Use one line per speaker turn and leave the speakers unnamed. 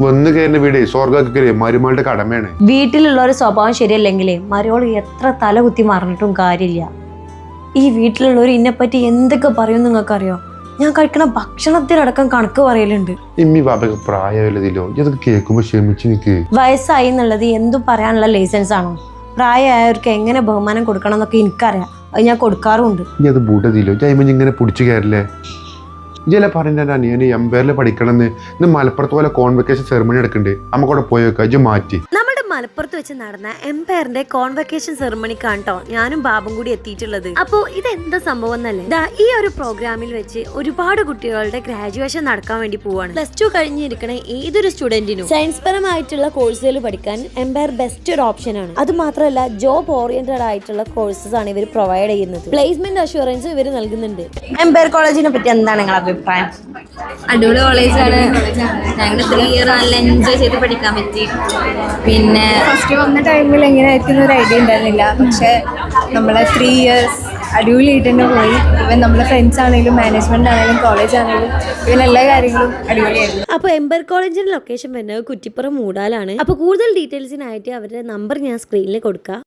വന്ന് കയറുന്ന വീട് സ്വർഗ്ഗ മരുമകളുടെ കടമയാണ്.
വീട്ടിലുള്ള ഒരു സ്വഭാവം ശരിയല്ലെങ്കിലേ മരുമോള് എത്ര തല കുത്തി മറിഞ്ഞിട്ടും കാര്യമില്ല. ഈ വീട്ടിലുള്ളവർ ഇന്നെപ്പറ്റി എന്തൊക്കെ പറയും നിങ്ങൾക്കറിയോ? ഞാൻ കഴിക്കണ ഭക്ഷണത്തിനടക്കം കണക്ക് പറയലുണ്ട്.
ഇമ്മി ബാബക്ക് പ്രായമല്ലതില്ലോ, ഇതൊക്കെ കേൾക്കുമ്പോ ക്ഷമിച്ചു നിക്ക്.
വയസ്സായി എന്നുള്ളത് എന്തും പറയാനുള്ള ലൈസൻസ് ആണോ? പ്രായമായവർക്ക് എങ്ങനെ ബഹുമാനം കൊടുക്കണം എന്നൊക്കെ എനിക്കറിയാം. അത് ഞാൻ കൊടുക്കാറുമുണ്ട്.
ഇനി അത് ബൂട്ടതില്ലോ, ജൈമൻ ഇങ്ങനെ പിടിച്ചു കയറില്ലേ? ഇജല പറഞ്ഞ അനിയന് എംപയറിൽ പഠിക്കണം എന്ന് മലപ്പുറത്ത് പോലെ കോൺവെക്കേഷൻ സെറമണി എടുക്കണ്ടേ, നമുക്കവിടെ പോയി വെക്കാം. ഇജ് മാറ്റി
മലപ്പുറത്ത് വെച്ച് നടന്ന എംപയറിന്റെ കോൺവെക്കേഷൻ സെറമണിക്കാണ് കേട്ടോ ഞാനും ബാബും കൂടി എത്തിയിട്ടുള്ളത്. അപ്പോ ഇത് എന്താ സംഭവം എന്നല്ലേ, ഈ ഒരു പ്രോഗ്രാമിൽ വെച്ച് ഒരുപാട് കുട്ടികളുടെ ഗ്രാജുവേഷൻ നടക്കാൻ വേണ്ടി പോവാണ്. +2 കഴിഞ്ഞിരിക്കണ ഏതൊരു സ്റ്റുഡന്റിനും സയൻസ് പരമായിട്ടുള്ള കോഴ്സുകൾ പഠിക്കാൻ എംപയർ ബെസ്റ്റ് ഒരു ഓപ്ഷൻ ആണ്. അത് മാത്രമല്ല ജോബ് ഓറിയന്റഡ് ആയിട്ടുള്ള കോഴ്സസ് ആണ് ഇവർ പ്രൊവൈഡ് ചെയ്യുന്നത്. പ്ലേസ്മെന്റ് അഷുറൻസ് ഇവർ നൽകുന്നുണ്ട്. എംപയർ കോളേജിനെ പറ്റി എന്താണ് നിങ്ങളുടെ അഭിപ്രായം?
അടിപൊളി കോളേജാണ്. ഞങ്ങൾ 3 ഇയർ നല്ല എൻജോയ് ചെയ്ത് പഠിക്കാൻ പറ്റി. പിന്നെ
ഫസ്റ്റ് വന്ന ടൈമിൽ എങ്ങനെയായിരിക്കും ഒരു ഐഡിയ ഉണ്ടായിരുന്നില്ല. പക്ഷെ നമ്മളെ 3 ഇയേഴ്സ് അടിപൊളിയായിട്ട് തന്നെ പോയി. ഇവൻ നമ്മളെ ഫ്രണ്ട്സ് ആണെങ്കിലും മാനേജ്മെന്റ് ആണെങ്കിലും കോളേജ് ആണെങ്കിലും ഇവൻ എല്ലാ കാര്യങ്ങളും അടിപൊളിയായിരുന്നു.
അപ്പോൾ എംപയർ കോളേജിന്റെ ലൊക്കേഷൻ വരുന്നത് കുറ്റിപ്പുറം മൂടാലാണ്. അപ്പോൾ കൂടുതൽ ഡീറ്റെയിൽസിനായിട്ട് അവരുടെ നമ്പർ ഞാൻ സ്ക്രീനിൽ കൊടുക്കാം.